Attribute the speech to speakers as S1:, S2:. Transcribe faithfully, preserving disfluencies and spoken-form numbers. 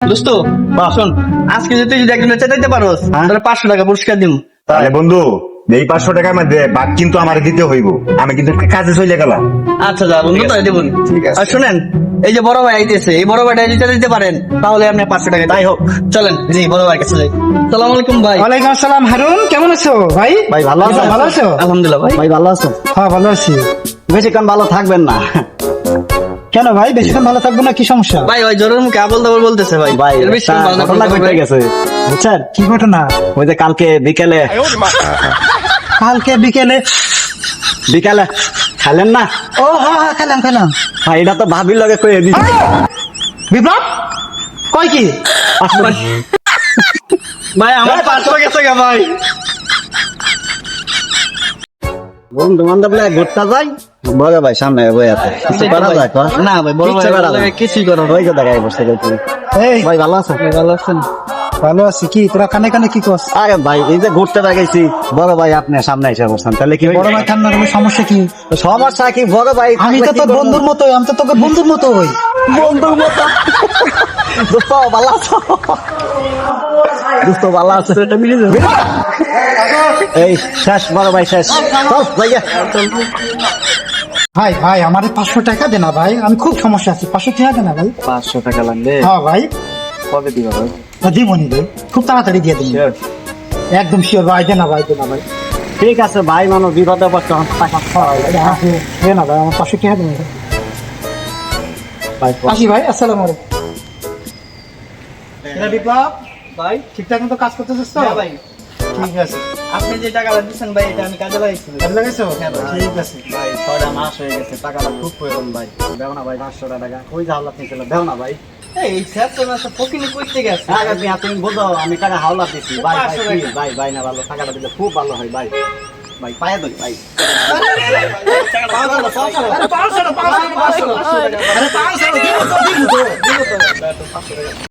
S1: দোস্ত শোন, আজকে যদি তুই যদি একজনের চেতাইতে পারোস তাহলে পাঁচশো টাকা পুরস্কার দিব।
S2: তাহলে বন্ধু এই পাঁচশো টাকার মধ্যে বাদ কিন্তু আমার দিতে হইব, আমি কিন্তু একটা কাজে চলে গেলাম।
S1: আচ্ছা যা বন্ধু, তাই দেবো।
S2: ঠিক আছে।
S1: আর শুনেন, এই যে বড় ভাই আইতেছে, এই বড় ভাইটা যদি দিতে পারেন তাহলে আপনি পাঁচশো টাকা তাই হোক। চলেন জি বড় ভাইয়ের কাছে যাই। সালাম আলাইকুম ভাই।
S3: ওয়ালাইকুম আসসালাম। হারুন, কেমন আছো ভাই?
S4: ভাই ভালো আছেন?
S3: ভালো আছো?
S1: আলহামদুলিল্লাহ ভাই।
S4: ভাই ভালো আছেন?
S3: হ্যাঁ ভালো আছি।
S4: বেশিক্ষণ ভালো থাকবেন না
S3: কেন ভাই, বেশিক্ষণ ভালো থাকবো না? কি সমস্যা?
S1: ভাই ওই জ্বরের মুখে আবল দাবল বলতেছে ভাই।
S4: ভাই
S1: এর বেশি
S4: একটা
S1: ভালো না
S4: ঘটনা
S1: করলে
S4: ঘটে
S1: ভাই।
S4: গেছে বুঝছেন?
S3: কি ঘটনা?
S4: ওই যে কালকে বিকেলে
S3: কালকে বিকেলে?
S4: বিকেলে খেলেন না
S3: ও হ্যাঁ হ্যাঁ, খেলাম খেলাম।
S4: ভাই, এটা তো ভাবির লগে কয়ে দিছি।
S3: বিপ্লব কয় কি?
S1: ভাই আমার পাঁচশো গেছে গা ভাই।
S4: বন্ধু বান্ধব লাগে ঘুরতে যাই, বড় ভাই সামনে বই আছে, কিছু করা যায় তো?
S1: না ভাই, বড়
S4: কিচ্ছু
S1: ভাই
S4: করা যায়
S1: লাগে
S4: না।
S1: কিছুই করো
S4: ওই যে দেখাই বসে গেছি।
S3: এই
S4: ভাই ভালো আছেন?
S1: ভালো আছেন?
S3: ভালো আছি। কি তোরা কানে কানে কি করছ?
S4: আরে ভাই এই যে ঘুরতে গেছি, বড় ভাই আপনি সামনে এসে বসছেন, তাহলে কি
S3: বড় ভাই ঠান্ডা গেলে সমস্যা কি?
S4: সমস্যা কি? বড় ভাই
S3: আমি তো
S4: থাকলে
S3: তোর
S4: কি করবো?
S3: বন্ধুর মতো, আমি তো তোকে বন্ধুর মতো হই।
S4: বন্ধুর মতো। দোস্ত ভালো আছো? দোস্ত ভালো আছে? এই শেষ বড় ভাই, শেষ। চল, ভাইয়া।
S3: ভাই ভাই আমার পাঁচশো টাকা দে না ভাই, আমি খুব সমস্যা আছি। পাঁচশো টাকা দে না ভাই।
S4: পাঁচশো টাকা লাগবে?
S3: হ্যাঁ ভাই,
S4: কবে দিবা ভাই?
S3: দিবনি ভাই, খুব তাড়াতাড়ি দিয়ে দিন। একদম শিওর ভাই, দে না ভাই, দে না ভাই।
S4: ঠিক আছে ভাই, মানুষ বিপদে পড়ছে, আমার টাকা খাওয়া লাগে।
S3: হ্যাঁ, দে না ভাই, আমার পাঁচশো টাকা দে না ভাই।
S4: ভাই,
S3: আসি ভাই, আসসালামু আলাইকুম। এরা বিপ্লব ভাই ঠিকঠাক মতো কাজ করতেছিস তো?
S1: হ্যাঁ ভাই,
S3: ঠিক আছে।
S1: আপনি যে টাকাটা দিচ্ছেন ভাই এটা আমি কাজে লাগাইছি।
S3: ভালো লাগেছো?
S1: হ্যাঁ ভাই।
S3: ঠিক আছে।
S4: ভাই ছয়টা মাস হয়ে গেছে, টাকাটা খুব প্রয়োজন ভাই। দেও না ভাই পাঁচশো টাকা, ওই জাহলা থেকে দেও না ভাই।
S1: এই স্যার তো না ফকিনি করতে গেছে।
S4: আগে তুমি তুমি বোঝো, আমি টাকা হাওলা দিচ্ছি ভাই। ভাই
S1: পাঁচশো
S4: please,
S1: টাকা।
S4: ভাই ভাই না ভালো, টাকাটা দিলে খুব ভালো হয় ভাই। ভাই পায়ে ধরি ভাই।
S1: পাঁচশো টাকা, পাঁচশো টাকা।
S3: আরে পাঁচশো, পাঁচশো, পাঁচশো টাকা। আরে পাঁচশো, দিব তো, দিব তো।
S1: দিব তো, পাঁচশো টাকা।